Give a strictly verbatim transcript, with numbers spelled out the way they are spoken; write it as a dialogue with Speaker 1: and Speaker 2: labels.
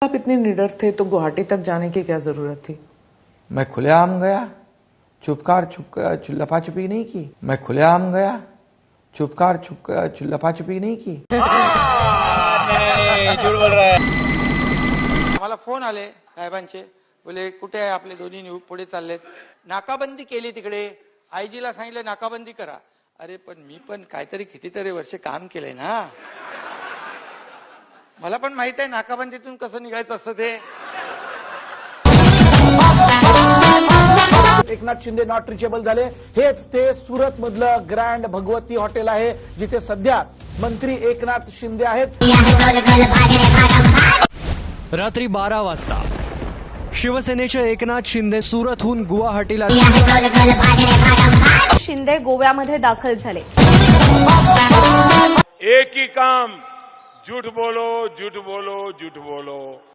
Speaker 1: आप इतने निडर थे तो गुवाहाटी तक जाने की क्या जरूरत थी?
Speaker 2: मैं खुलेआम गया, चुपकार चुप लपा छुपी नहीं की। मैं खुलेआम गया, चुपकार चुप लपा छुपी नहीं की।
Speaker 3: नहीं, झूठ बोल रहा है। मला फोन आले साहेबांचे, बोले कुठे आहे आपले दोन्ही न्यू पुढे चाललेत, नाकाबंदी केली तिकडे, आयजीला सांगितलं नाकाबंदी करा. अरे पण मी पण काहीतरी कितीतरी वर्ष काम केलंय ना, मला पण माहित आहे नाकाबंदीतून कसं निघायचं असतं ते.
Speaker 4: एकनाथ शिंदे नॉट रिचेबल झाले. हेच ते सुरत मधलं ग्रँड भगवती हॉटेल आहे, जिथे सध्या मंत्री एकनाथ शिंदे आहेत.
Speaker 5: रात्री बारा वाजता शिवसेनेचे एकनाथ शिंदे सुरतहून गुवाहाटीला.
Speaker 6: शिंदे गोव्यामध्ये दाखल झाले.
Speaker 7: एक ही काम, झूठ बोलो झूठ बोलो झूठ बोलो.